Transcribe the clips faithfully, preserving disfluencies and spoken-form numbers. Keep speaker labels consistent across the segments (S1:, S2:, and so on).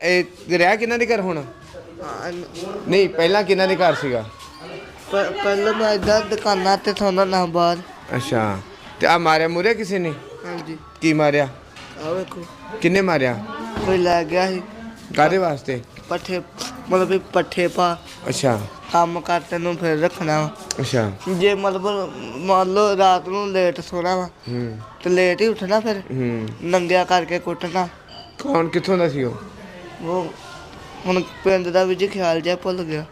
S1: ਇਹ ਰਿਹਾ ਕਿਹਨਾਂ ਦੇ ਘਰ ਹੁਣ? ਨਹੀਂ ਪਹਿਲਾਂ ਕਿਹਨਾਂ ਦੇ ਘਰ ਸੀਗਾ?
S2: ਪਹਿਲਾਂ ਮੈਂ ਇੱਦਾਂ ਦੁਕਾਨਾਂ ਤੇ ਸੌਂਦਾ ਨਾ ਬਾਹਰ।
S1: ਅੱਛਾ ਤੇ ਆ ਮਾਰਿਆ ਮੁਰਿਆ ਕਿਸੇ ਨੇ?
S2: ਹਾਂਜੀ।
S1: ਕੀ ਮਾਰਿਆ?
S2: ਆ ਵੇਖੋ।
S1: ਕਿੰਨੇ ਮਾਰਿਆ?
S2: ਕੋਈ ਲੈ ਗਿਆ ਸੀ।
S1: ਕਾਹਦੇ ਵਾਸਤੇ?
S2: ਪੱਠੇ ਮਤਲਬ ਵੀ ਪੱਠੇ ਪਾ।
S1: ਅੱਛਾ।
S2: ਕੰਮ ਕਰ ਤੈਨੂੰ ਫਿਰ ਰੱਖਣਾ ਵਾ।
S1: ਅੱਛਾ।
S2: ਜੇ ਮਤਲਬ ਮੰਨ ਲਓ ਰਾਤ ਨੂੰ ਲੇਟ ਸੋਣਾ ਵਾ
S1: ਹੂੰ
S2: ਤੇ ਲੇਟ ਹੀ ਉੱਠਣਾ ਫਿਰ।
S1: ਹੂੰ
S2: ਨੰਗਿਆ ਕਰਕੇ ਕੁੱਟਣਾ।
S1: ਕੌਣ ਕਿੱਥੋਂ ਦਾ ਸੀ ਉਹ?
S2: ਉਹ ਹੁਣ ਪਿੰਡ ਦਾ ਵੀ ਜੀ ਖਿਆਲ ਜਿਹਾ ਭੁੱਲ ਗਿਆ।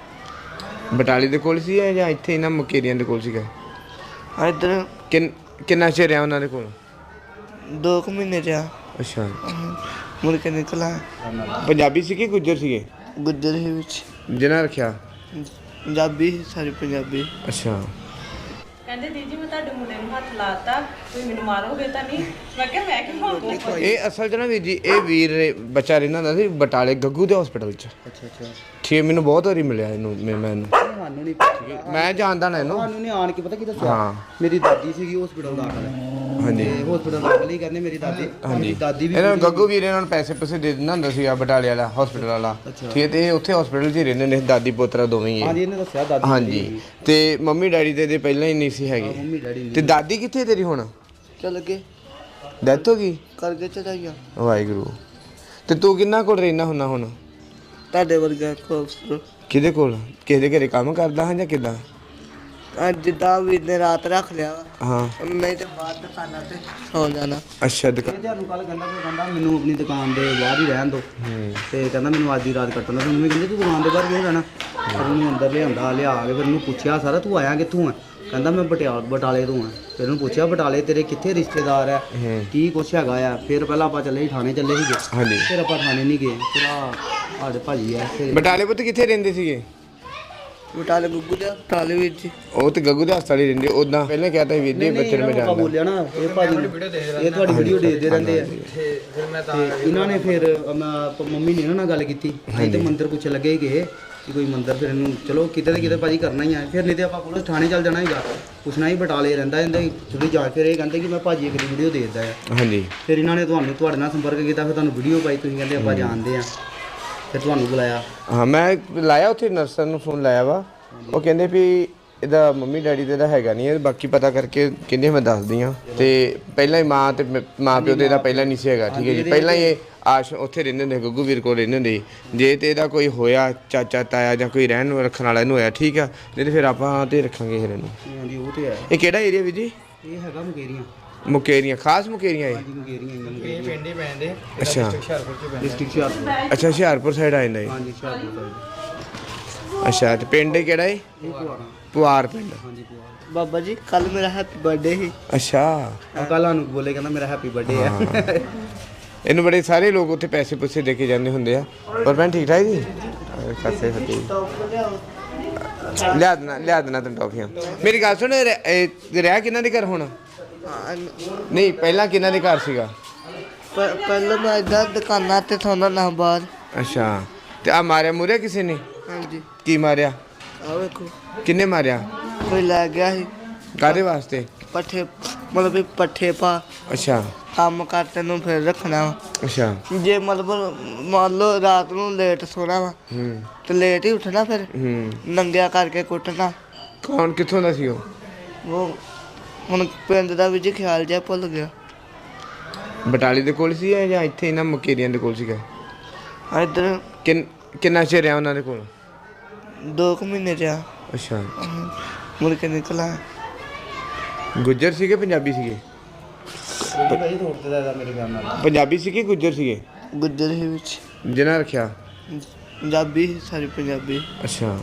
S1: ਬਟਾਲੀ ਦੇ ਕੋਲ ਸੀ ਜਾਂ ਇੱਥੇ ਇਹਨਾਂ ਮੁਕੇਰੀਆਂ ਦੇ ਕੋਲ ਸੀਗਾ?
S2: ਇੱਧਰ
S1: ਕਿੰਨ ਕਿੰਨਾ ਚਿਰ ਰਿਹਾ ਉਹਨਾਂ ਦੇ ਕੋਲ?
S2: ਦੋ ਕੁ ਮਹੀਨੇ ਰਿਹਾ।
S1: ਅੱਛਾ।
S2: ਮੁੜ ਕੇ ਨਿਕਲਾ।
S1: ਪੰਜਾਬੀ ਸੀ ਕਿ ਗੁੱਜਰ ਸੀਗੇ?
S2: ਗੁੱਜਰ ਹੀ ਵਿੱਚ
S1: ਜਿਹਨਾਂ ਰੱਖਿਆ
S2: ਪੰਜਾਬੀ ਸੀ, ਸਾਰੇ ਪੰਜਾਬੀ।
S1: ਅੱਛਾ।
S3: ਕਹਿੰਦੇ ਦੀਦੀ ਮੈਂ ਤੁਹਾਡੇ ਮੁੰਡੇ ਨੂੰ ਹੱਥ ਲਾਤਾ, ਤੁਸੀਂ ਮੈਨੂੰ ਮਾਰੋਗੇ ਤਾਂ ਨਹੀਂ? ਮੈਂ ਕਿਹਾ ਮੈਂ ਕਿ ਮਾਰੂੰਗਾ।
S1: ਇਹ ਅਸਲ 'ਚ ਨਾ ਵੀਰ ਜੀ ਇਹ ਵੀਰ ਬੱਚਾ ਰਹਿੰਦਾ ਹੁੰਦਾ ਸੀ ਬਟਾਲੇ ਗੱਗੂ ਦੇ ਹਸਪੀਟਲ 'ਚ।
S4: ਅੱਛਾ ਅੱਛਾ
S1: ਠੀਕ ਮੈਨੂੰ ਬਹੁਤ ਵਾਰੀ ਮਿਲਿਆ ਇਹਨੂੰ ਮੈਂ ਮੈਨੂੰ
S4: ਸਾਨੂੰ ਨਹੀਂ ਪਤਾ।
S1: ਮੈਂ ਜਾਣਦਾ ਨਾ ਇਹਨੂੰ।
S4: ਸਾਨੂੰ ਨਹੀਂ ਆਣ ਕੇ ਪਤਾ ਕੀ ਦੱਸਿਆ।
S1: ਹਾਂ।
S4: ਮੇਰੀ ਦਾਦੀ ਸੀਗੀ ਹਸਪੀਟਲ ਦਾਖਲ।
S1: ਹਾਂਜੀ।
S4: ਹਸਪੀਟਲ ਦਾਖਲ ਹੀ ਕਹਿੰਦੇ ਮੇਰੀ ਦਾਦੀ।
S1: ਹਾਂਜੀ।
S4: ਦਾਦੀ ਵੀ
S1: ਇਹਨਾਂ ਨੂੰ ਗੱਗੂ ਵੀਰ ਇਹਨਾਂ ਨੂੰ ਪੈਸੇ ਪੈਸੇ ਦੇ ਦਿੰਦਾ ਹੁੰਦਾ ਸੀ ਆ ਬਟਾਲੇ ਵਾਲਾ ਹਸਪੀਟਲ ਵਾਲਾ। ਠੀਕ ਹੈ ਤੇ ਇਹ ਉੱਥੇ ਹਸਪੀਟਲ 'ਚ ਹੀ ਰਹਿੰਦੇ ਨੇ ਦਾਦੀ ਪੋਤਰਾ ਦੋਵੇਂ ਹੀ।
S4: ਹਾਂਜੀ ਇਹਨੇ ਦੱਸਿਆ ਦਾਦੀ।
S1: ਹਾਂਜੀ ਤੇ ਮੰਮੀ ਡੈਡੀ ਤੇ ਇਹਦੇ ਪਹਿਲਾਂ ਹੀ ਨਹੀਂ ਸੀ ਹੈਗੇ।
S4: ਮੰਮੀ ਡੈਡੀ
S1: ਤੇ ਦਾਦੀ ਕਿੱਥੇ ਤੇਰੀ ਹੁਣ?
S2: ਚੱਲ ਗਏ
S1: ਡੈਥ ਹੋ ਗਈ?
S2: ਕਰਕੇ ਚੜਾਈਆਂ।
S1: ਵਾਹਿਗੁਰੂ। ਤੇ ਤੂੰ ਕਿੰਨਾ ਕੋਲ ਰਹਿਣਾ ਹੁੰਨਾ ਹੁਣ?
S2: ਤੁਹਾਡੇ ਵਰਗਾ ਖੂਬਸੂਰਤ।
S1: ਕਿਹਦੇ ਕੋਲ? ਕਿਸੇ ਦੇ ਘਰੇ ਕੰਮ ਕਰਦਾ ਹਾਂ ਜਾਂ ਕਿੱਦਾਂ?
S2: ਅੱਜ ਜਿੱਦਾਂ ਵੀ ਨੇ ਰਾਤ ਰੱਖ ਲਿਆ ਵਾ।
S1: ਹਾਂ।
S2: ਨਹੀਂ ਤੇ ਬਾਹਰ ਦੁਕਾਨਾਂ ਤੇ ਸੌ ਜਾਣਾ।
S1: ਅੱਛਾ ਦੁਕਾਨ।
S4: ਇਹ ਤੁਹਾਨੂੰ ਕੱਲ ਕਹਿੰਦਾ ਕੋਈ ਕਹਿੰਦਾ ਮੈਨੂੰ ਆਪਣੀ ਦੁਕਾਨ ਦੇ ਬਾਹਰ ਹੀ ਰਹਿਣ ਦਿਓ। ਤੇ ਕਹਿੰਦਾ ਮੈਨੂੰ ਅੱਜ ਦੀ ਰਾਤ ਕੱਟਣ ਦਾ। ਮੰਮੀ ਕਹਿੰਦੀ ਤੂੰ ਦੁਕਾਨ ਦੇ ਬਾਹਰ ਕਿਉਂ ਰਹਿਣਾ? ਫਿਰ ਉਹਨੂੰ ਅੰਦਰ ਲਿਆਂਦਾ ਲਿਆ ਕੇ ਫਿਰ ਉਹਨੂੰ ਪੁੱਛਿਆ ਸਾਰਾ ਤੂੰ ਆਇਆ ਕਿੱਥੋਂ ਆ? ਕਹਿੰਦਾ ਮੈਂ ਬਟਿਆਲ ਬਟਾਲੇ ਤੋਂ ਆ। ਫਿਰ ਉਹਨੂੰ ਪੁੱਛਿਆ ਬਟਾਲੇ ਤੇਰੇ ਕਿੱਥੇ ਰਿਸ਼ਤੇਦਾਰ ਆ ਕੀ ਕੁਛ ਹੈਗਾ ਆ? ਫਿਰ ਪਹਿਲਾਂ ਆਪਾਂ ਚੱਲੇ ਸੀ ਥਾਣੇ ਚੱਲੇ ਸੀਗੇ।
S1: ਹਾਂਜੀ।
S4: ਫਿਰ ਆਪਾਂ ਥਾਣੇ ਨਹੀਂ ਗਏ। ਫਿਰ ਆ ਸਾਡੇ ਭਾਜੀ ਆ ਫਿਰ
S1: ਬਟਾਲੇ ਪੁੱਤ ਕਿੱਥੇ ਰਹਿੰਦੇ ਸੀਗੇ?
S2: ਬਟਾਲੇ ਗੁੱਗੂ ਦੇ ਹਸਪਤਾਲ ਵਿੱਚ।
S1: ਉਹ ਤੇ ਗੱਗੂ ਦੇ ਹਸਪਤਾਲ ਹੀ ਰਹਿੰਦੇ ਉਦਾਂ। ਪਹਿਲਾਂ ਕਹਤਾ ਸੀ ਵੀਰ ਜੀ ਬੱਚੇ ਨੂੰ ਮੈਂ
S4: ਆਪਾਂ
S1: ਜਾਣਦਾ।
S4: ਬੋਲਿਆ ਨਾ ਇਹ ਭਾਜੀ ਇਹ ਤੁਹਾਡੀ ਵੀਡੀਓ ਦੇਖਦੇ ਰਹਿੰਦੇ ਆ। ਤੇ ਇਹਨਾਂ ਨੇ ਫਿਰ ਮੈਂ ਮੰਮੀ ਨੇ ਇਹਨਾਂ ਨਾਲ ਗੱਲ ਕੀਤੀ। ਅਸੀਂ ਤੇ ਮੰਦਿਰ ਪੁੱਛ ਲੱਗੇ ਕਿ ਕਿ ਕੋਈ ਮੰਦਿਰ ਫਿਰ ਇਹਨੂੰ ਚਲੋ ਕਿਤੇ ਤੇ ਕਿਤੇ ਭਾਜੀ ਕਰਨਾ ਹੀ ਆ। ਫਿਰ ਨਹੀਂ ਤੇ ਆਪਾਂ ਪੁਲਿਸ ਥਾਣੇ ਚੱਲ ਜਾਣਾ ਹੈਗਾ। ਪੁੱਛਣਾ ਹੀ ਬਟਾਲੇ ਰਹਿੰਦਾ ਇਹਦੇ ਥੋੜੀ ਜਾਂਚ। ਫਿਰ ਇਹ ਕਹਿੰਦੇ ਕਿ ਮੈਂ ਭਾਜੀ ਇੱਕ ਵੀਡੀਓ ਦੇਖਦਾ ਆ।
S1: ਹਾਂਜੀ।
S4: ਫਿਰ ਇਹਨਾਂ ਨੇ ਤੁਹਾਨੂੰ ਤੁਹਾਡੇ ਨਾਲ ਸੰਪਰਕ ਕੀਤਾ। ਫਿਰ ਤੁਹਾਨੂੰ ਵੀਡੀਓ ਪਾਈ। ਤੁਸੀਂ ਕਹਿੰਦੇ ਆਪਾਂ ਜਾਣਦੇ ਆ। ਫਿਰ ਤੁਹਾਨੂੰ ਬੁਲਾਇਆ।
S1: ਹਾਂ ਮੈਂ ਲਾਇਆ ਉੱਥੇ ਨਰਸਾਂ ਨੂੰ ਫੋਨ ਲਾਇਆ ਵਾ। ਉਹ ਕਹਿੰਦੇ ਵੀ ਇਹਦਾ ਮੰਮੀ ਡੈਡੀ ਤੇ ਦਾ ਹੈਗਾ ਨਹੀਂ। ਬਾਕੀ ਪਤਾ ਕਰਕੇ ਕਹਿੰਦੇ ਮੈਂ ਦੱਸਦੀ ਹਾਂ। ਤੇ ਪਹਿਲਾਂ ਹੀ ਮਾਂ ਤੇ ਮਾਂ ਪਿਓ ਤੇ ਇਹਦਾ ਪਹਿਲਾਂ ਨਹੀਂ ਸੀ ਹੈਗਾ। ਠੀਕ ਹੈ ਜੀ। ਪਹਿਲਾਂ ਹੀ ਇਹ ਆਸ਼ ਉੱਥੇ ਰਹਿੰਦੇ ਹੁੰਦੇ ਗੱਗੂ ਵੀਰ ਕੋਲ ਰਹਿੰਦੇ ਹੁੰਦੇ। ਜੇ ਤੇ ਇਹਦਾ ਕੋਈ ਹੋਇਆ ਚਾਚਾ ਤਾਇਆ ਜਾਂ ਕੋਈ ਰਹਿਣ ਰੱਖਣ ਵਾਲਾ ਇਹਨੂੰ ਹੋਇਆ ਠੀਕ ਆ। ਨਹੀਂ ਤੇ ਫਿਰ ਆਪਾਂ ਤੇ ਰੱਖਾਂਗੇ ਫਿਰ ਇਹਨੂੰ।
S4: ਹਾਂਜੀ ਉਹ ਤੇ ਹੈ।
S1: ਇਹ ਕਿਹੜਾ ਏਰੀਆ ਵੀਰ ਜੀ?
S4: ਇਹ ਹੈਗਾ ਮੁਕੇਰੀਆਂ।
S1: ਮੁਕੇਰੀਆਂ ਖਾਸ ਮੁਕੇਰੀਆਂ ਇਹ?
S4: ਹਾਂਜੀ ਮੁਕੇਰੀਆਂ ਇਹ
S5: ਪਿੰਡ ਹੀ ਪੈਂਦੇ।
S1: ਅੱਛਾ।
S4: ਡਿਸਟ੍ਰਿਕਟ ਹੁਸ਼ਿਆਰਪੁਰ।
S1: ਅੱਛਾ ਹੁਸ਼ਿਆਰਪੁਰ ਸਾਈਡ ਆ ਜਾਂਦਾ ਜੀ।
S4: ਹਾਂਜੀ ਹੁਸ਼ਿਆਰਪੁਰ ਸਾਈਡ।
S1: ਅੱਛਾ ਤੇ ਪਿੰਡ ਕਿਹੜਾ ਹੈ?
S4: ਇਹ ਪੁਆੜਾ।
S1: ਪੁਆਰ ਪਿੰਡ।
S4: ਹਾਂਜੀ ਪੁਆੜਾ।
S2: ਬਾਬਾ ਜੀ ਕੱਲ ਮੇਰਾ ਹੈਪੀ ਬਰਥਡੇ ਸੀ।
S1: ਅੱਛਾ।
S4: ਕੱਲ ਸਾਨੂੰ ਬੋਲੇ ਕਹਿੰਦਾ ਮੇਰਾ ਹੈਪੀ ਬਰਥਡੇ ਆ।
S1: ਇਹਨੂੰ ਬੜੇ ਸਾਰੇ ਲੋਕ ਉੱਥੇ ਪੈਸੇ ਪੁੱਛੇ ਦੇ ਕੇ ਜਾਂਦੇ ਹੁੰਦੇ ਆ। ਪਰ ਭੈਣ ਠੀਕ ਠਾਕ ਜੀ? ਖਾਸੇ ਫਤੀ ਲਿਆ ਦੇਣਾ ਲਿਆ ਦੇਣਾ ਤੈਨੂੰ ਟੌਫੀਆਂ। ਮੇਰੀ ਗੱਲ ਸੁਣ ਇਹ ਰਿਹਾ ਕਿਹਨਾਂ ਦੇ ਘਰ ਹੁਣ? ਨਹੀਂ ਪਹਿਲਾਂ ਕਿਹਨਾਂ ਦੇ ਘਰ ਸੀਗਾ?
S2: ਪਹਿਲਾਂ ਮੈਂ ਇੱਦਾਂ ਦੁਕਾਨਾਂ ਤੇ ਸੌਂਦਾ ਨਾ ਬਾਹਰ।
S1: ਅੱਛਾ ਤੇ ਆ ਮਾਰਿਆ ਮੁਰਿਆ ਕਿਸੇ ਨੇ?
S2: ਹਾਂਜੀ।
S1: ਕੀ ਮਾਰਿਆ?
S2: ਆ ਵੇਖੋ।
S1: ਕਿੰਨੇ ਮਾਰਿਆ?
S2: ਕੋਈ ਲੈ ਗਿਆ ਸੀ।
S1: ਕਾਹਦੇ ਵਾਸਤੇ?
S2: ਪੱਠੇ ਮਤਲਬ ਵੀ ਪੱਠੇ ਪਾ।
S1: ਅੱਛਾ।
S2: ਕੰਮ ਕਰ ਤੈਨੂੰ ਫਿਰ ਰੱਖਣਾ ਵਾ।
S1: ਅੱਛਾ।
S2: ਜੇ ਮਤਲਬ ਮੰਨ ਲਓ ਰਾਤ ਨੂੰ ਲੇਟ ਸੋਣਾ ਵਾ
S1: ਹੂੰ
S2: ਤੇ ਲੇਟ ਹੀ ਉੱਠਣਾ ਫਿਰ।
S1: ਹੂੰ
S2: ਨੰਗਿਆ ਕਰਕੇ ਕੁੱਟਣਾ।
S1: ਕੌਣ ਕਿੱਥੋਂ ਦਾ ਸੀ ਉਹ?
S2: ਉਹ ਹੁਣ ਪਿੰਡ ਦਾ ਵੀ ਜੀ ਖਿਆਲ ਜਿਹਾ ਭੁੱਲ ਗਿਆ।
S1: ਬਟਾਲੇ ਦੇ ਕੋਲ ਸੀ ਜਾਂ ਇੱਥੇ ਇਹਨਾਂ ਮੁਕੇਰੀਆਂ ਦੇ ਕੋਲ ਸੀਗਾ?
S2: ਇੱਧਰ
S1: ਕਿੰਨ ਕਿੰਨਾ ਚਿਰ ਰਿਹਾ ਉਹਨਾਂ ਦੇ ਕੋਲ?
S2: ਦੋ ਕੁ ਮਹੀਨੇ ਰਿਹਾ।
S1: ਅੱਛਾ।
S2: ਮੁੜ ਕੇ ਨਿਕਲਾ।
S1: ਗੁੱਜਰ ਸੀਗੇ ਪੰਜਾਬੀ ਸੀਗੇ?
S4: ਭਾਈ ਤੋੜਦੇ ਦਾ ਮੇਰੇ ਘਰ ਨਾਲ।
S1: ਪੰਜਾਬੀ ਸੀਗੇ ਗੁੱਜਰ ਸੀਗੇ?
S2: ਗੁੱਜਰ ਹੀ ਵਿੱਚ।
S1: ਜਿਹਨਾਂ ਰੱਖਿਆ
S2: ਪੰਜਾਬੀ ਸੀ, ਸਾਰੇ ਪੰਜਾਬੀ।
S1: ਅੱਛਾ।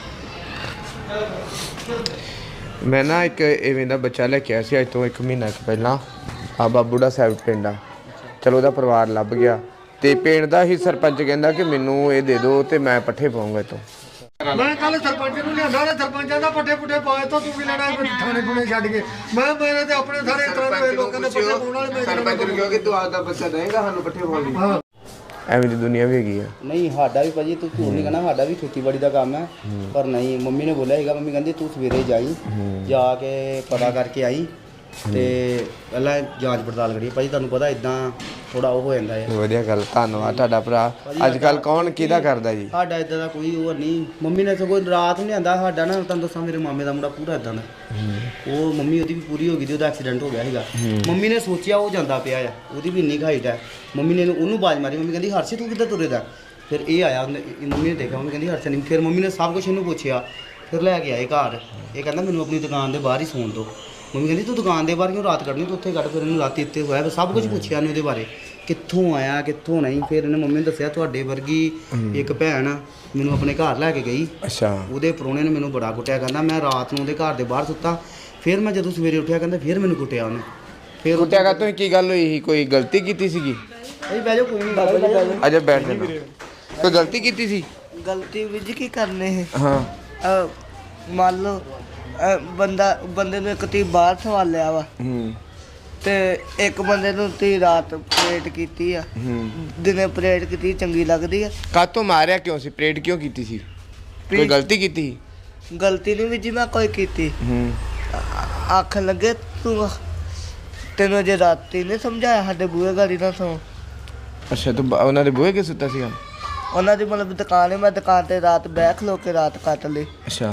S1: ਮੈਂ ਨਾ ਇੱਕ ਇਵੇਂ ਦਾ ਬੱਚਾ ਲੈ ਕੇ ਆਇਆ ਸੀ ਅੱਜ ਤੋਂ ਇੱਕ ਮਹੀਨਾ ਕੁ ਪਹਿਲਾਂ। ਆ ਬਾਬੂੜਾ ਸਾਹਿਬ ਪਿੰਡ ਆ। ਚਲੋ ਉਹਦਾ ਪਰਿਵਾਰ ਲੱਭ ਗਿਆ ਤੇ ਪਿੰਡ ਦਾ ਹੀ ਸਰਪੰਚ ਕਹਿੰਦਾ ਕਿ ਮੈਨੂੰ ਇਹ ਦੇ ਦਿਓ ਤੇ ਮੈਂ ਪੱਠੇ ਪਾਉਂਗਾ ਇੱਥੋਂ।
S5: ਮੈਂ ਕੱਲ ਸਰਪੰਚ ਨੂੰ ਲਿਆਂਦਾ ਨਾ ਸਰਪੰਚਾਂ ਦਾ ਪੱਠੇ ਪੁੱਠੇ ਪਾਏ ਤੋਂ ਤੂੰ ਵੀ ਲੈਣਾ ਥਾਣੇ ਥੁਣੇ ਛੱਡ ਕੇ। ਮੈਂ ਮੇਰੇ ਤੇ ਆਪਣੇ ਸਾਰੇ ਤਰ੍ਹਾਂ ਦੇ ਲੋਕਾਂ ਦੇ ਪੱਠੇ ਪਾਉਣ ਵਾਲੇ ਮੈਂ
S1: ਸਰਪੰਚ ਨੂੰ ਕਿਹਾ ਕਿ ਤੂੰ ਆਪਦਾ ਬੱਚਾ ਦੇਂਗਾ ਸਾਨੂੰ ਪੱਠੇ ਪਾਉਣ ਲਈ। ਐਵੇਂ ਦੀ ਦੁਨੀਆ ਵੀ ਹੈਗੀ ਆ।
S4: ਨਹੀਂ ਸਾਡਾ ਵੀ ਭਾਜੀ ਤੂੰ ਝੂਠ ਨਹੀਂ ਕਹਿਣਾ। ਸਾਡਾ ਵੀ ਖੇਤੀਬਾੜੀ ਦਾ ਕੰਮ ਹੈ। ਪਰ ਨਹੀਂ ਮੰਮੀ ਨੇ ਬੋਲਿਆ ਸੀਗਾ। ਮੰਮੀ ਕਹਿੰਦੀ ਤੂੰ ਸਵੇਰੇ ਜਾਈ ਜਾ ਕੇ ਪਤਾ ਕਰਕੇ ਆਈ ਤੇ ਪਹਿਲਾਂ ਜਾਂਚ ਪੜਤਾਲ ਕਰੀਏ ਭਾਜੀ ਤੁਹਾਨੂੰ ਪਤਾ ਇਦਾਂ ਥੋੜਾ ਉਹ ਹੋ ਜਾਂਦਾ ਹੈ
S1: ਵਧੀਆ ਗੱਲ ਧੰਨਵਾਦ ਤੁਹਾਡਾ ਭਰਾ ਅੱਜ ਕੱਲ ਕੌਣ ਕਿਹਦਾ ਕਰਦਾ ਜੀ
S4: ਸਾਡਾ ਇਦਾਂ ਦਾ ਕੋਈ ਹੋਰ ਨਹੀਂ ਮੰਮੀ ਨੇ ਸਗੋਂ ਰਾਤ ਨੂੰ ਲਿਆਂਦਾ ਸਾਡਾ ਨਾ ਤੁਹਾਨੂੰ ਦੱਸਾਂ ਮੇਰੇ ਮਾਮੇ ਦਾ ਮੁੰਡਾ ਪੂਰਾ ਇਦਾਂ ਦਾ ਉਹ ਮੰਮੀ ਉਹਦੀ ਵੀ ਪੂਰੀ ਹੋ ਗਈ ਸੀ ਉਹਦਾ ਐਕਸੀਡੈਂਟ ਹੋ ਗਿਆ ਸੀਗਾ ਮੰਮੀ ਨੇ ਸੋਚਿਆ ਉਹ ਜਾਂਦਾ ਪਿਆ ਆ ਉਹਦੀ ਵੀ ਇੰਨੀ ਹਾਈਟ ਹੈ ਮੰਮੀ ਨੇ ਉਹਨੂੰ ਬਾਜ ਮਾਰੀ ਮੰਮੀ ਕਹਿੰਦੀ ਹਰਸ਼ੀ ਤੂੰ ਕਿੱਦਾਂ ਤੁਰੇਦਾ ਫਿਰ ਇਹ ਆਇਆ ਉਹਨੇ ਮੰਮੀ ਨੇ ਦੇਖਿਆ ਉਹਨੂੰ ਕਹਿੰਦੀ ਹਰਸ਼ ਨਹੀਂ ਫਿਰ ਮੰਮੀ ਨੇ ਸਭ ਕੁਝ ਇਹਨੂੰ ਪੁੱਛਿਆ ਫਿਰ ਲੈ ਕੇ ਆਏ ਘਰ ਇਹ ਕਹਿੰਦਾ ਮੈਨੂੰ ਆਪਣੀ ਦੁਕਾਨ ਦੇ ਬਾਹਰ ਹੀ ਸੌਣ ਦਿਓ ਮੰਮੀ ਕਹਿੰਦੀ ਤੂੰ ਦੁਕਾਨ ਦੇ ਬਾਹਰ ਕਿਉਂ ਰਾਤ ਕੱਢਣੀ ਤੂੰ ਉੱਥੇ ਕੱਢ ਫਿਰ ਇਹਨੂੰ ਰਾਤੀ ਇੱਥੇ ਹੋਇਆ ਸਭ ਕੁਝ ਪੁੱਛਿਆ ਇਹਨੇ ਉਹਦੇ ਬਾਰੇ ਕਿੱਥੋਂ ਆਇਆ ਕਿੱਥੋਂ ਨਹੀਂ ਫਿਰ ਇਹਨੇ ਮੰਮੀ ਨੇ ਦੱਸਿਆ ਤੁਹਾਡੇ ਵਰਗੀ ਇੱਕ ਭੈਣ ਮੈਨੂੰ ਆਪਣੇ ਘਰ ਲੈ ਕੇ ਗਈ
S1: ਅੱਛਾ
S4: ਉਹਦੇ ਪ੍ਰਾਹੁਣੇ ਨੇ ਮੈਨੂੰ ਬੜਾ ਕੁੱਟਿਆ ਕਹਿੰਦਾ ਮੈਂ ਰਾਤ ਨੂੰ ਉਹਦੇ ਘਰ ਦੇ ਬਾਹਰ ਸੁੱਤਾ ਫਿਰ ਮੈਂ ਜਦੋਂ ਸਵੇਰੇ ਉੱਠਿਆ ਕਹਿੰਦਾ ਫਿਰ ਮੈਨੂੰ ਕੁੱਟਿਆ ਉਹਨੇ ਫਿਰ
S1: ਕੁੱਟਿਆ ਕਾ ਤੁਸੀਂ ਕੀ ਗੱਲ ਹੋਈ ਸੀ ਕੋਈ ਗਲਤੀ ਕੀਤੀ ਸੀਗੀ
S4: ਭਾਈ ਬਹਿ ਜਾਓ ਕੋਈ ਨਹੀਂ ਬਾਬਾ ਜੀ ਬਹਿ ਜਾਓ
S1: ਅਜੇ ਬੈਠ ਜਾਣਾ ਕੋਈ ਗਲਤੀ ਕੀਤੀ ਸੀ
S2: ਗਲਤੀ ਵੀਰ ਜੀ ਕੀ ਕਰਨੇ ਹੈ
S1: ਹਾਂ
S2: ਅਹ ਮੰਨ ਲਓ ਅਹ ਬੰਦਾ ਬੰਦੇ ਨੂੰ ਇੱਕ ਤੀ ਬਾਹਰ ਸਵਾਲਿਆ ਵਾ
S1: ਹੂੰ
S2: ਤੇ ਇੱਕ ਬੰਦੇ ਨੂੰ ਤੀ ਰਾਤ ਪਰੇਡ ਕੀਤੀ ਆ
S1: ਹੂੰ
S2: ਦਿਨੇ ਪਰੇਡ ਕੀਤੀ ਚੰਗੀ ਲੱਗਦੀ ਆ
S1: ਕਾਤੋਂ ਮਾਰਿਆ ਕਿਉਂ ਸੀ ਪਰੇਡ ਕਿਉਂ ਕੀਤੀ ਸੀ ਕੋਈ ਗਲਤੀ ਕੀਤੀ ਸੀ
S2: ਗਲਤੀ ਨਹੀਂ ਵੀਰ ਜੀ ਮੈਂ ਕੋਈ ਕੀਤੀ
S1: ਹੂੰ
S2: ਆਖਣ ਲੱਗੇ ਤੂੰ ਤੈਨੂੰ ਜੇ ਰਾਤੀ ਨੇ ਸਮਝਾਇਆ ਸਾਡੇ ਬੂਹੇ ਗਾੜੀ ਨਾ ਸੌ
S1: ਅੱਛਾ ਤੂੰ ਬ- ਉਹਨਾਂ ਦੇ ਬੂਹੇ ਕੇ ਸੁੱਤਾ ਸੀਗਾ
S2: ਉਹਨਾਂ ਦੀ ਮਤਲਬ ਦੁਕਾਨ ਹੈ ਮੈਂ ਦੁਕਾਨ ਤੇ ਰਾਤ ਬਹਿ ਖਲੋ ਕੇ ਰਾਤ ਕੱਟ ਲਈ
S1: ਅੱਛਾ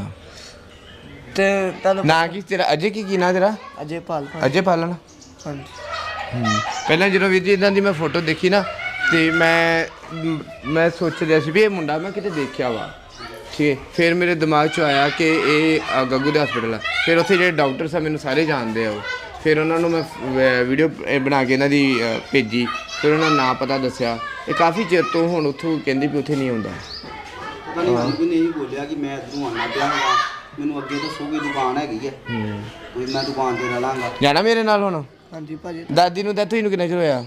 S2: ਤੇ ਤੁਹਾਨੂੰ
S1: ਨਾ ਕੀ ਤੇਰਾ ਅਜੇ ਕੀ ਕੀ ਨਾ ਤੇਰਾ
S2: ਅਜੇ ਪਾਲ
S1: ਅਜੇ ਪਾਲਣ
S2: ਹਾਂਜੀ
S1: ਹੂੰ ਪਹਿਲਾਂ ਜਦੋਂ ਵੀਰ ਜੀ ਇਹਨਾਂ ਦੀ ਮੈਂ ਫੋਟੋ ਦੇਖੀ ਨਾ ਤੇ ਮੈਂ ਮ- ਮੈਂ ਸੋਚ ਰਿਹਾ ਸੀ ਵੀ ਇਹ ਮੁੰਡਾ ਮੈਂ ਕਿਤੇ ਦੇਖਿਆ ਵਾ ਠੀਕ ਹੈ ਫਿਰ ਮੇਰੇ ਦਿਮਾਗ 'ਚ ਆਇਆ ਕਿ ਇਹ ਅ, ਗੱਗੂ ਦੇ ਹਸਪੀਟਲ ਆ ਫਿਰ ਉੱਥੇ ਜਿਹੜੇ ਡਾਕਟਰ ਸਾ ਮੈਨੂੰ ਸਾਰੇ ਜਾਣਦੇ ਆ ਉਹ ਫਿਰ ਉਹਨਾਂ ਨੂੰ ਮੈਂ ਵੀਡੀਓ ਬਣਾ ਕੇ ਇਹਨਾਂ ਦੀ ਅ, ਭੇਜੀ ਫਿਰ ਉਹਨਾਂ ਦਾ ਨਾਂ ਪਤਾ ਦੱਸਿਆ ਇਹ ਕਾਫੀ ਚਿਰ ਤੋਂ ਹੁਣ ਉੱਥੋਂ ਕਹਿੰਦੀ ਵੀ ਉੱਥੇ ਨਹੀਂ ਆਉਂਦਾ
S4: ਪਤਾ ਨਹੀਂ ਮੈਨੂੰ ਵੀ ਨਹੀਂ ਬੋਲਿਆ ਕਿ ਮੈਂ ਇੱਧਰੋਂ ਆਉਣਾ ਪਿਆ ਹਾਂ ਮੈਨੂੰ ਅੱਗੇ ਦੱਸੋ ਕਿ ਦੁਕਾਨ ਹੈਗੀ ਹੈ ਕੋਈ ਮੈਂ ਦੁਕਾਨ ਤੇ ਰਹਿ ਲਾਂਗਾ
S1: ਜਾਣਾ ਮੇਰੇ ਨਾਲ ਹੁਣ
S2: ਹਾਂਜੀ ਭਾਜੀ
S1: ਦਾਦੀ ਨੂੰ ਡੈਥ ਹੋਈ ਨੂੰ ਕਿੰਨਾ ਚਿਰ ਹੋਇਆ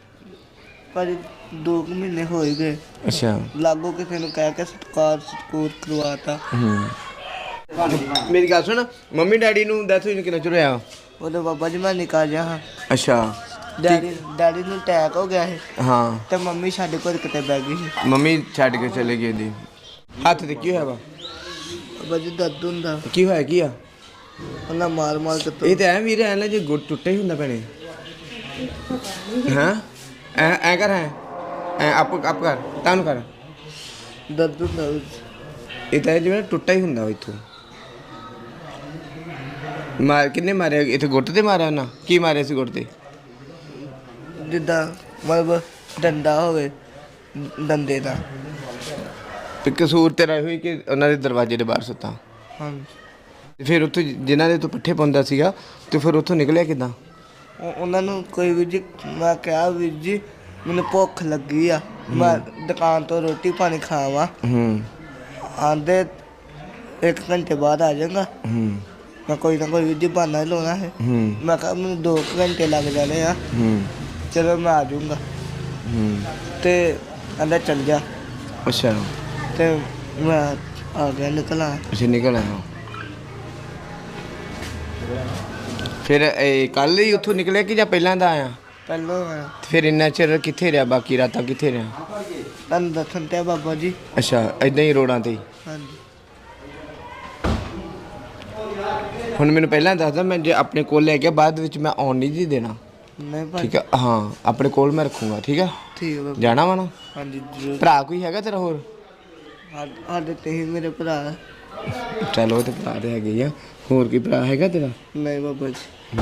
S2: ਭਾਜੀ ਦੋ ਕੁ ਮਹੀਨੇ ਹੋ ਹੀ ਗਏ
S1: ਅੱਛਾ
S2: ਲਾਗੋ ਕਿਸੇ ਨੂੰ ਕਹਿ ਕੇ ਸਤਕਾਰ ਸਤਕੂਰ ਕਰਵਾਤਾ
S1: ਹੂੰ ਮੇਰੀ ਗੱਲ ਸੁਣ ਮੰਮੀ ਡੈਡੀ ਨੂੰ ਡੈਥ ਹੋਈ ਨੂੰ ਕਿੰਨਾ ਚਿਰ ਹੋਇਆ
S2: ਉਹਦੇ ਬਾਬਾ ਜੀ ਮੈਂ ਨਿਕਾ ਜਾ ਹਾਂ
S1: ਅੱਛਾ
S2: ਡੈਡੀ ਡੈਡੀ ਨੂੰ ਅਟੈਕ ਹੋ ਗਿਆ ਸੀ
S1: ਹਾਂ
S2: ਤੇ ਮੰਮੀ ਸਾਡੇ ਕੋਲ ਕਿਤੇ ਬੈ ਗਈ ਸੀ
S1: ਮੰਮੀ ਛੱਡ ਕੇ ਚਲੇ ਗਈ ਦੀ ਹੱਥ ਤੇ ਕੀ ਹੋਇਆ ਵਾ
S2: ਬਾਬਾ ਜੀ ਦਰਦ ਹੁੰਦਾ
S1: ਕੀ ਹੋਇਆ ਕੀ ਆ
S2: ਉਹਨਾਂ ਮਾਰ ਮਾਰ ਕੇ
S1: ਇਹ ਤਾਂ ਐ ਵੀਰ ਐ ਨਾ ਜੇ ਗੁੱਟ ਟੁੱਟੇ ਹੀ ਹੁੰਦਾ ਭੈਣੇ ਹਾਂ ਐ ਐ ਕਰ ਐ ਐ ਆਪ ਆਪ ਕਰ ਤਾਨੂੰ ਕਰ
S2: ਦਰਦ ਹੁੰਦਾ
S1: ਇਹ ਤਾਂ ਜਿਵੇਂ ਟੁੱਟਾ ਹੀ ਹੁੰਦਾ ਇੱਥੋਂ ਮਾਰ ਕਿੰਨੇ ਮਾਰਿਆ ਇੱਥੇ ਗੁੱਟ ਤੇ ਮਾਰਿਆ ਉਹਨਾਂ ਕੀ ਮਾਰਿਆ ਸੀ ਗੁੱਟ ਤੇ
S2: ਜਿੱਦਾਂ ਮਤਲਬ ਡੰਡਾ ਹੋਵੇ ਡੰਡੇ ਦਾ
S1: ਤੇ ਕਸੂਰ ਤੇਰਾ ਹੋਈ ਕਿ ਉਹਨਾਂ ਦੇ ਦਰਵਾਜ਼ੇ ਦੇ ਬਾਹਰ ਸੁੱਤਾ
S2: ਹਾਂਜੀ
S1: ਤੇ ਫਿਰ ਉੱਥੋਂ ਜਿਨ੍ਹਾਂ ਦੇ ਤੋਂ ਪੱਠੇ ਪਾਉਂਦਾ ਸੀਗਾ ਤੇ ਫਿਰ ਉੱਥੋਂ ਨਿਕਲਿਆ ਕਿੱਦਾਂ
S2: ਉਹ- ਉਹਨਾਂ ਨੂੰ ਕੋਈ ਵੀਰ ਜੀ ਮੈਂ ਕਿਹਾ ਵੀਰ ਜੀ ਮੈਨੂੰ ਭੁੱਖ ਲੱਗੀ ਆ ਮੈਂ ਦੁਕਾਨ ਤੋਂ ਰੋਟੀ ਪਾਣੀ ਖਾਵਾਂ
S1: ਹੂੰ
S2: ਆਂਦੇ ਇੱਕ ਘੰਟੇ ਬਾਅਦ ਆ ਜਾਊਗਾ
S1: ਹੂੰ
S2: ਮੈਂ ਕੋਈ ਨਾ ਕੋਈ ਵੀਰ ਜੀ ਬਹਾਨਾ ਹੀ ਲਾਉਣਾ ਹੈ
S1: ਹੂੰ
S2: ਮੈਂ ਕਿਹਾ ਮੈਨੂੰ ਦੋ ਕੁ ਘੰਟੇ ਲੱਗ ਜਾਣੇ ਆ
S1: ਹੂੰ
S2: ਚਲੋ ਮੈਂ ਆ ਜਾਊਂਗਾ
S1: ਹੂੰ
S2: ਤੇ ਕਹਿੰਦਾ ਚੱਲ ਜਾ
S1: ਅੱਛਾ
S2: ਤੇ ਮੈਂ ਆ ਗਿਆ ਨਿਕਲਾ
S1: ਅਸੀਂ ਨਿਕਲ ਆਏ ਫਿਰ ਇਹ ਕੱਲ ਹੀ ਉੱਥੋਂ ਨਿਕਲਿਆ ਕਿ ਜਾਂ ਪਹਿਲਾਂ ਦਾ ਆਇਆ
S2: ਪਹਿਲੋਂ ਆਇਆ
S1: ਤੇ ਫਿਰ ਇੰਨਾ ਚਿਰ ਕਿੱਥੇ ਰਿਹਾ ਬਾਕੀ ਰਾਤਾਂ ਕਿੱਥੇ ਰਿਹਾ
S2: ਤੁਹਾਨੂੰ ਦੱਸਣ ਤੇ ਆ ਬਾਬਾ ਜੀ
S1: ਅੱਛਾ ਇਦਾਂ ਹੀ ਰੋਡਾਂ ਤੇ ਹੀ
S2: ਹਾਂਜੀ
S1: ਹੁਣ ਮੈਨੂੰ ਪਹਿਲਾਂ ਦੱਸਦਾ ਮੈਂ ਜੇ ਆਪਣੇ ਕੋਲ ਲੈ ਗਿਆ ਬਾਅਦ ਵਿੱਚ ਮੈਂ ਆਉਣ ਨਹੀਂ ਜੀ ਦੇਣਾ
S2: ਨਹੀਂ ਭਾਈ
S1: ਠੀਕ ਹੈ ਹਾਂ ਆਪਣੇ ਕੋਲ ਮੈਂ ਰੱਖੂੰਗਾ ਠੀਕ ਹੈ
S2: ਠੀਕ ਹੈ ਬਾਬਾ
S1: ਜਾਣਾ ਵਾ ਨਾ
S2: ਹਾਂਜੀ ਜ਼ਰੂਰ
S1: ਭਰਾ ਕੋਈ ਹੈਗਾ ਤੇਰਾ ਹੋਰ
S2: ਸਾ- ਸਾਡੇ ਤੇ ਹੀ ਮੇਰੇ ਭਰਾ
S1: ਚਲੋ ਤੇ ਭਰਾ ਤੇ ਹੈਗੇ ਹੀ ਆ ਹੋਰ ਕੋਈ ਭਰਾ ਹੈਗਾ ਤੇਰਾ
S2: ਨਹੀਂ ਬਾਬਾ ਜੀ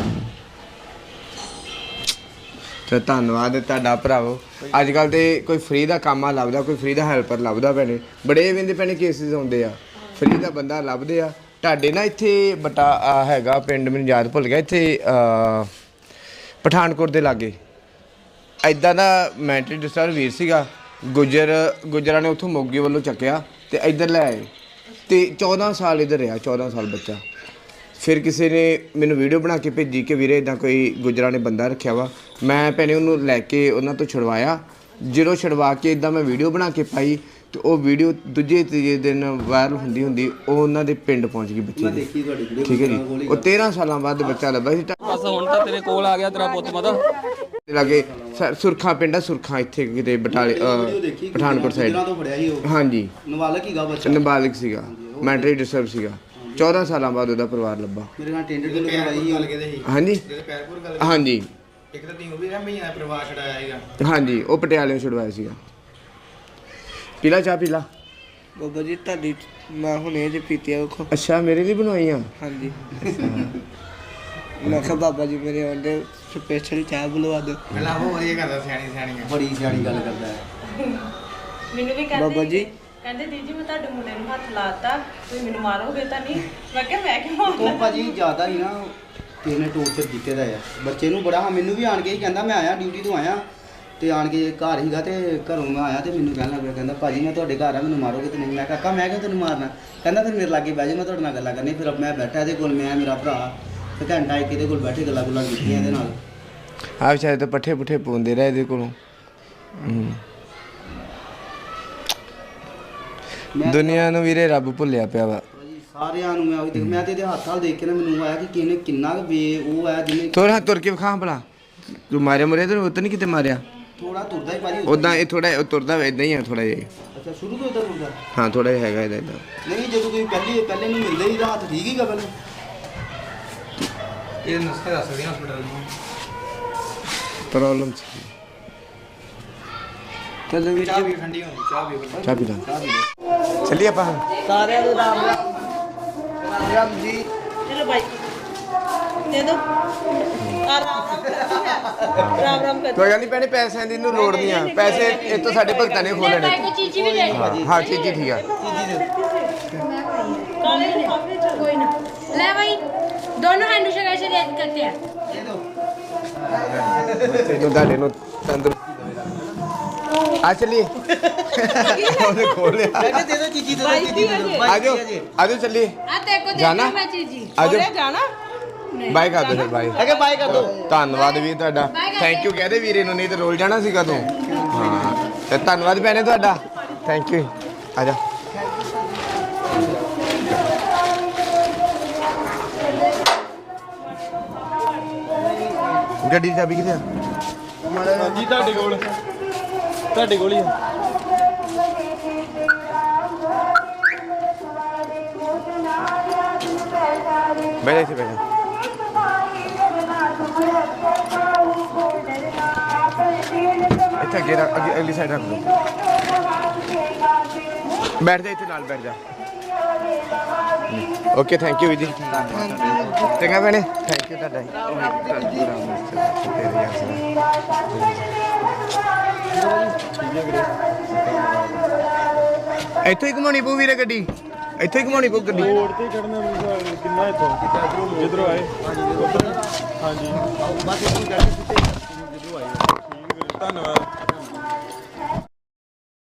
S1: ਤੇ ਧੰਨਵਾਦ ਤੁਹਾਡਾ ਭਰਾਵੋ ਅੱਜ ਕੱਲ ਤੇ ਕੋਈ ਫ੍ਰੀ ਦਾ ਕੰਮ ਆ ਲੱਭਦਾ ਕੋਈ ਫ੍ਰੀ ਦਾ ਹੈਲਪਰ ਲੱਭਦਾ ਪੈਣੇ ਬੜੇ ਵਿੰਦੇ ਪੈਣੇ ਕੇਸਿਸ ਆਉਂਦੇ ਆ ਫ੍ਰੀ ਦਾ ਬੰਦਾ ਲੱਭਦੇ ਆ ਤੁਹਾਡੇ ਨਾ ਇੱਥੇ ਬਟਾ ਆਹ ਹੈਗਾ ਪਿੰਡ ਮੈਨੂੰ ਯਾਦ ਭੁੱਲ ਗਿਆ ਇੱਥੇ ਅਹ, ਪਠਾਨਕੋਟ ਦੇ ਲਾਗੇ ਐਦਾਂ ਦਾ ਮੈਂਟਲੀ ਡਿਸਟਰਬ ਵੀਰ ਸੀਗਾ ਗੁੱਜਰ ਗੁੱਜਰਾਂ ਨੇ ਉੱਥੋਂ ਮੋਗੇ ਵੱਲੋਂ ਚੱਕਿਆ ਤੇ ਇੱਧਰ ਲੈ ਆਏ ਤੇ ਚੌਦਾਂ ਸਾਲ ਇੱਧਰ ਰਿਹਾ ਚੌਦਾਂ ਸਾਲ ਬੱਚਾ ਫਿਰ ਕਿਸੇ ਨੇ ਮੈਨੂੰ ਵੀਡੀਓ ਬਣਾ ਕੇ ਭੇਜੀ ਕਿ ਵੀਰੇ ਇਦਾਂ ਕੋਈ ਗੁੱਜਰਾਂ ਨੇ ਬੰਦਾ ਰੱਖਿਆ ਵਾ ਮੈਂ ਭੈਣੇ ਉਹਨੂੰ ਲੈ ਕੇ ਉਹਨਾਂ ਤੋਂ ਛੁਡਵਾਇਆ ਜਦੋਂ ਛੁਡਵਾ ਕੇ ਇਦਾਂ ਮੈਂ ਵੀਡੀਓ ਬਣਾ ਕੇ ਪਾਈ ਤੇ ਉਹ ਵੀਡੀਓ ਦੂਜੇ ਤੀਜੇ ਦਿਨ ਵਾਇਰਲ ਹੁੰਦੀ ਹੁੰਦੀ ਉਹ ਉਹਨਾਂ ਦੇ ਪਿੰਡ ਪਹੁੰਚ ਗਈ ਬੱਚੇ ਦੀ
S4: ਦੇਖੀ ਤੁਹਾਡੀ ਵੀਡੀਓ
S1: ਠੀਕ ਹੈ ਜੀ ਉਹ ਤੇਰਾਂ ਸਾਲਾਂ ਬਾਅਦ ਬੱਚਾ ਲੱਭਾ ਸੀ
S6: ਬਸ ਹੁਣ ਤਾਂ ਤੇਰੇ ਕੋਲ ਆ ਗਿਆ ਤੇਰਾ ਪੁੱਤ ਮਤਾ
S1: ਲਾਗੇ ਸ- ਸੁਰਖਾ ਪਿੰਡ ਆ ਸੁਰਖਾ ਇੱਥੇ ਕਿਤੇ ਬਟਾਲੇ ਅਹ, ਪਠਾਨਕੋਟ ਸਾਈਡ
S4: ਤੋਂ ਫੜਿਆ ਸੀ ਉਹ
S1: ਹਾਂਜੀ
S4: ਨਵਾਲਕ ਹੀਗਾ ਬੱਚਾ
S1: ਨਾਬਾਲਿਗ ਸੀਗਾ ਮੈਂਟਲੀ ਡਿਸਟਰਬ ਸੀਗਾ ਚੌਦਾਂ ਸਾਲਾਂ ਬਾਅਦ ਉਹਦਾ ਪਰਿਵਾਰ ਲੱਭਾ।
S4: ਮੇਰੇ ਨਾਲ ਟੈਂਡਰ ਤੋਂ ਕਰਵਾਈ ਸੀ ਗੱਲ ਕਿਤੇ ਸੀ
S1: ਹਾਂਜੀ
S4: ਪੈਰਪੁਰ ਗੱਲ
S1: ਹਾਂਜੀ
S4: ਇੱਕ ਤਾਂ ਤੀ ਉਹ ਵੀ ਮਹੀਨਾ ਪਰਿਵਾਰ ਛਡਾਇਆ ਸੀਗਾ।
S1: ਹਾਂਜੀ ਉਹ ਪਟਿਆਲੇ ਛੁਡਵਾਇਆ ਸੀਗਾ। ਪੀਲਾ ਚਾਹ ਪੀਲਾ।
S2: ਬਾਬਾ ਜੀ ਤੁਹਾਡੀ ਮੈਂ ਹੁਣੇ ਜੇ ਪੀਤੀ ਆ ਵੇਖੋ।
S1: ਅੱਛਾ ਮੇਰੇ ਲਈ ਬਣਵਾਈਆਂ।
S2: ਹਾਂਜੀ ਮੈਂ ਕਿਹਾ ਬਾਬਾ ਜੀ ਮੇਰੇ ਆਉਂਦੇ ਸਪੈਸ਼ਲ ਚਾਹ ਬੁਲਵਾ ਦਿਓ।
S4: ਪਹਿਲਾਂ ਉਹ ਵਧੀਆ ਕਰਦਾ ਸਿਆਣੀ ਸਿਆਣੀ ਬੜੀ ਸਿਆਣੀ ਗੱਲ ਕਰਦਾ ਹੈ।
S3: ਮੈਨੂੰ ਵੀ ਕਹਿੰਦੇ
S2: ਬਾਬਾ ਜੀ
S3: ਕਹਿੰਦੇ ਦੀਦੀ ਮੈਂ ਤੁਹਾਡੇ ਮੁੰਡੇ ਨੂੰ ਹੱਥ ਲਾਤਾ ਤੁਸੀਂ ਮੈਨੂੰ ਮਾਰੋਗੇ ਤਾਂ ਨਹੀਂ। ਮੈਂ ਕਿਹਾ ਮੈਂ ਕਿਉਂ ਮਾਰਨਾ?
S4: ਉਹ ਭਾਜੀ ਜ਼ਿਆਦਾ ਹੀ ਨਾ ਕਿਸੇ ਨੇ ਟੋਰਚਰ ਕੀਤੇ ਦਾ ਆ ਬੱਚੇ ਨੂੰ ਬੜਾ। ਮੈਨੂੰ ਵੀ ਆਣ ਕੇ ਹੀ ਕਹਿੰਦਾ ਮੈਂ ਆਇਆ ਡਿਊਟੀ ਤੋਂ ਆਇਆ ਤੇ ਆਣ ਕੇ ਘਰ ਹੀਗਾ ਤੇ ਘਰੋਂ ਮੈਂ ਆਇਆ ਤੇ ਮੈਨੂੰ ਕਹਿਣ ਲੱਗ ਪਿਆ ਕਹਿੰਦਾ ਭਾਜੀ ਮੈਂ ਤੁਹਾਡੇ ਘਰ ਆ ਮੈਨੂੰ ਮਾਰੋਗੇ ਤੇ ਨਹੀਂ। ਮੈਂ ਕਾਕਾ ਮੈਂ ਕਿਉਂ ਤੈਨੂੰ ਮਾਰਨਾ? ਕਹਿੰਦਾ ਫਿਰ ਮੇਰੇ ਲਾਗੇ ਬਹਿ ਜਾ ਮੈਂ ਤੁਹਾਡੇ ਨਾਲ ਗੱਲਾਂ ਕਰਨੀ। ਫਿਰ ਮੈਂ ਬੈਠਾ ਇਹਦੇ ਕੋਲ ਮੈਂ ਮੇਰਾ ਭਰਾ ਤੇ ਘੰਟਾ ਇੱਕ ਇਹਦੇ ਕੋਲ ਬੈਠੇ ਗੱਲਾਂ ਗੁੱਲਾਂ ਕੀਤੀਆਂ ਇਹਦੇ ਨਾਲ।
S1: ਆ ਵਿਚਾਰੇ ਤਾਂ ਪੱਠੇ ਪੁੱਠੇ ਪਾਉਂਦੇ ਰਹੇ ਇਹਦੇ ਕੋਲੋਂ। ਦੁਨੀਆ ਨੂੰ ਵੀਰੇ ਰੱਬ ਭੁੱਲਿਆ ਪਿਆ ਵਾ।
S4: ਭਾਜੀ ਸਾਰਿਆਂ ਨੂੰ ਮੈਂ ਉਹੀ ਦੇਖ ਮੈਂ ਤੇ ਇਹਦੇ ਹੱਥ ਨਾਲ ਦੇਖ ਕੇ ਨਾ ਮੈਨੂੰ ਆਇਆ ਕਿ ਕਿਹਨੇ ਕਿੰਨਾ ਕੁ ਬੇ ਉਹ ਆ ਜਿਹਨੇ
S1: ਥੋੜਾ ਤੁਰ ਕੇ ਵਿਖਾ ਭਲਾ ਤੂੰ ਮਾਰਿਆ ਮੁਰਿਆ ਤੇ ਉਤ ਨਹੀਂ ਕਿਤੇ ਮਾਰਿਆ।
S4: ਥੋੜਾ ਤੁਰਦਾ ਹੀ ਭਾਜੀ
S1: ਉਦਾਂ ਇਹ ਥੋੜਾ ਤੁਰਦਾ ਇਦਾਂ ਹੀ ਆ ਥੋੜਾ ਜਿਹਾ।
S4: ਅੱਛਾ ਸ਼ੁਰੂ ਤੋਂ ਇਦਾਂ ਤੁਰਦਾ
S1: ਹਾਂ ਥੋੜਾ ਜਿਹਾ ਹੈਗਾ ਇਹਦਾ ਇਦਾਂ।
S4: ਨਹੀਂ ਜਦੋਂ ਤੁਸੀਂ ਪਹਿਲੇ ਪਹਿਲੇ ਨੂੰ ਮਿਲਦੇ ਹੀ ਤਾਂ ਹੱਥ ਠੀਕ ਹੀਗਾ ਪਹਿਲਾਂ। ਇਹ ਨਸਖਾ ਦੱਸ ਸਕਦੇ ਹਸਪੀਟਲ ਨੂੰ
S1: ਪ੍ਰੋਬਲਮ ਸੀ।
S2: ਕਦੋਂ ਵੀ
S4: ਚਾਹ ਵੀ ਠੰਡੀ ਹੋਣੀ ਚਾਹ ਵੀ
S1: ਚਾਹ ਪੀ ਲਾ ਚੱਲੀਏ ਆਪਾਂ।
S2: ਸਾਰਿਆਂ ਨੂੰ ਰਾਮ ਰਾਮ ਰਾਮ ਰਾਮ ਜੀ।
S3: ਚਲੋ ਬਾਈ ਦੇ ਦੋ ਆ ਰਾਮ ਰਾਮ ਕਰਦੀ ਹੈ ਰਾਮ ਰਾਮ ਕਰ
S1: ਕੋਈ ਗੱਲ ਨਹੀਂ ਭੈਣੇ ਪੈਸਿਆਂ ਦੀ ਨੂੰ ਲੋੜ ਨਹੀਂ ਆ। ਪੈਸੇ ਇਹ ਤੋਂ ਸਾਡੇ ਭਗਤਾਂ ਨੇ ਖੋਹ ਲੈਣੇ।
S7: ਚੀਜ਼ੀ ਵੀ ਲੈ
S1: ਹਾਂ ਹਾਂ ਚੀਜ਼ੀ ਠੀਕ ਆ।
S3: ਕਾਲੇ ਕਾਫੀ ਚ
S7: कोई ना ले भाई दोनों हैंड शेक ऐसे रेड करते हैं
S1: ਬੱਚੇ ਨੂੰ ਤੁਹਾਡੇ ਨੂੰ ਤੰਦਰੁਸਤੀ ਆ ਚੱਲੀਏ। ਉਹਨੇ ਖੋਲ ਲਿਆ।
S4: ਮੈਂ ਕਿਹਾ ਦੇ ਦੋ ਚੀਜੀ ਦੇ ਦੋ ਚੀਜੀ ਦੇ ਦੋ
S1: ਆਜੋ ਆਜੋ ਚੱਲੀਏ।
S7: आ तेरे को
S1: जाना?
S7: देखना मैं चीजी
S1: ਆਜੋ
S3: ਜਾਣਾ
S1: ਬਾਏ ਕਰ ਦੋ ਫਿਰ ਬਾਏ।
S4: ਅਗੇ ਬਾਏ ਕਰ ਦੋ
S1: ਧੰਨਵਾਦ ਵੀ ਤੁਹਾਡਾ। ਥੈਂਕ ਯੂ ਕਹਦੇ ਵੀਰੇ ਨੂੰ ਨਹੀਂ ਤੇ ਰੋਲ ਜਾਣਾ ਸੀਗਾ ਤੂੰ। ਹਾਂ ਤੇ ਧੰਨਵਾਦ ਭੈਣੇ ਤੁਹਾਡਾ। ਥੈਂਕ ਯੂ ਆ ਜਾ। ਗੱਡੀ ਦੀ ਚਾਬੀ ਕਿੱਥੇ ਆ?
S6: ਜੀ ਤੁਹਾਡੇ ਕੋਲ ਤੁਹਾਡੇ ਕੋਲ ਹੀ ਆ।
S1: ਬੈਠ ਇੱਥੇ ਬੈਠ। ਇੱਥੇ ਅੱਗੇ ਰੱਖ ਅੱਗੇ ਅਗਲੀ ਸਾਈਡ ਰੱਖ ਦੋ। ਬੈਠ ਜਾ ਇੱਥੇ ਨਾਲ ਬੈਠ ਜਾ। ਓਕੇ ਥੈਂਕ ਯੂ ਜੀ। ਚੰਗਾ ਭੈਣੇ ਥੈਂਕ ਯੂ ਤੁਹਾਡਾ। ਇੱਥੋਂ ਹੀ ਘੁਮਾਉਣੀ ਪਊ ਵੀਰੇ ਗੱਡੀ। ਇੱਥੇ ਹੀ ਘੁਮਾਉਣੀ ਪਊ ਗੱਡੀ।
S8: ਰੋਡ ਤੇ ਚੜਨਾ ਮੈਨੂੰ ਕਿੰਨਾ ਇੱਥੋਂ ਜਿੱਧਰੋਂ ਆਏ ਉੱਧਰ ਹਾਂਜੀ ਬਸ ਇੱਥੋਂ ਚੜ੍ਹ ਕੇ ਜਿੱਧਰੋਂ ਆਏ। ਠੀਕ ਵੀਰੇ ਧੰਨਵਾਦ।